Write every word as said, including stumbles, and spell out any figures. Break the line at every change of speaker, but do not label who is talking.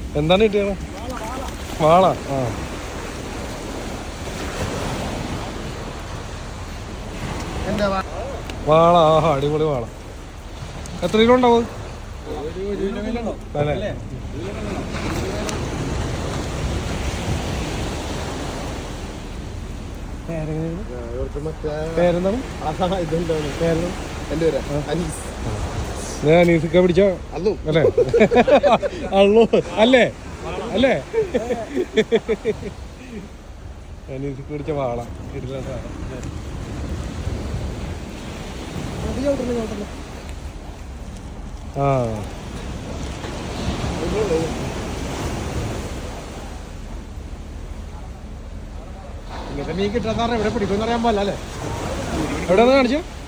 എന്താണ് കിട്ടിയത്? വാള. ആ വാള. ആഹാ അടിപൊളി വാള. എത്ര കിലോ ഉണ്ടാവും അല്ലേ? പേരെന്താണ്? അനീസിക്ക പിടിച്ച അല്ലേ? അള്ളു അല്ലേ? അല്ലേ? അനീസിക്ക പിടിച്ച വാള. ആ
മീൻ കിട്ടാൻ എവിടെ പിടിക്കുമെന്ന് അറിയാൻ പാടില്ല അല്ലേ?
എവിടെയാണ് കാണിച്ചത്?